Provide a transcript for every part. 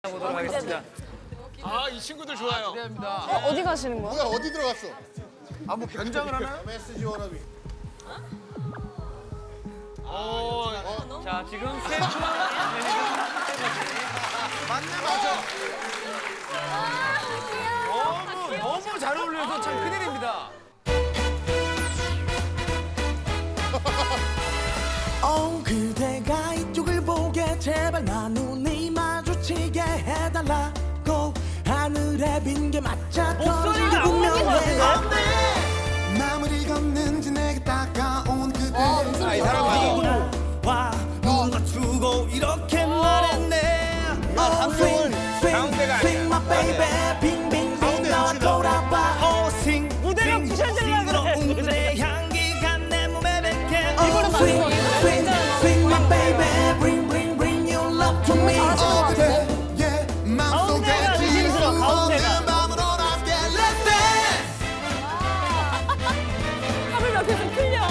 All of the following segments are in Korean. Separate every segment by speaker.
Speaker 1: 보도록 하겠습니다.
Speaker 2: 아, 이 친구들 좋아요.
Speaker 3: 어디 가시는 거야?
Speaker 4: 뭐야 어디 들어갔어?
Speaker 1: 아, 뭐 변장을 하나요?
Speaker 4: 메시지 워너비.
Speaker 1: 자, 지금 최초 맞네, 맞아. 너무 잘 어울려서 참 큰일입니다.
Speaker 5: 그대가 이쪽을 보게 제발 나 눈이 마주치게 해달라고 하늘에 빈 게 맞자
Speaker 3: 목소리가
Speaker 5: 분명해 마무리 걷는지 내게 다가온 그대
Speaker 3: 이 사람
Speaker 5: 맞아 와 눈 맞추고 이렇게 말했네
Speaker 1: 감동은 가운데가 아니야.
Speaker 5: Sing my baby 빙빙빙 나와 돌아봐 Sing
Speaker 3: 무대가 부셔지려고 그래.
Speaker 5: 그대 향기가 내 몸에 뱉게
Speaker 3: 이거는
Speaker 5: Swing,
Speaker 3: 맞는 거.
Speaker 5: swing, swing my baby Bring, bring, bring your love to me 그대
Speaker 3: 가운데가 의심스러워, 가운데가.
Speaker 5: 마음으로 함께 Let's dance
Speaker 3: 하루면 계속 틀려.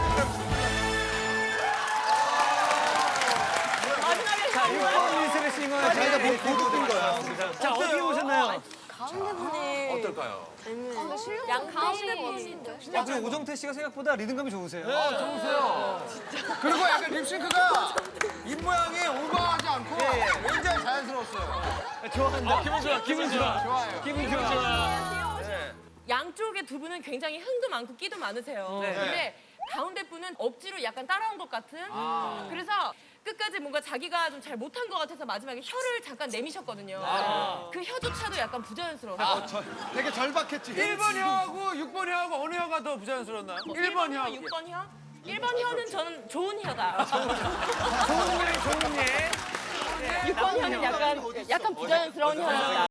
Speaker 3: 마지막에
Speaker 1: 자, 이거 리스를 싱어의 저희가
Speaker 4: 보도 뜬 거야.
Speaker 1: 자, 어떻게 보셨나요?
Speaker 3: 가운데 분이
Speaker 2: 어떨까요?
Speaker 3: 양 가운데 분인데.
Speaker 1: 아, 그리고 오정태 씨가 생각보다 리듬감이 좋으세요.
Speaker 4: 그리고 약간 립싱크가 입 모양이 오버하지 않고 굉장히 자연스러웠어요.
Speaker 1: 좋아한다.
Speaker 2: 기분 좋아, 기분 좋아.
Speaker 4: 좋아요.
Speaker 1: 기분 좋아.
Speaker 6: 양쪽에 두 분은 굉장히 흥도 많고 끼도 많으세요.
Speaker 1: 네.
Speaker 6: 근데 가운데 분은 억지로 약간 따라온 것 같은. 그래서 끝까지 뭔가 자기가 좀 잘 못한 것 같아서 마지막에 혀를 잠깐 내미셨거든요. 그 혀조차도 약간 부자연스러워요.
Speaker 4: 되게 절박했지.
Speaker 1: 1번 혀하고 6번 혀하고 어느 혀가 더 부자연스러웠나요?
Speaker 6: 1번 혀, 6번 혀? 1번 혀는 저는 좋은 혀다.
Speaker 1: 좋은 예.
Speaker 6: 6번 혀는 약간 부자연스러운 혀다.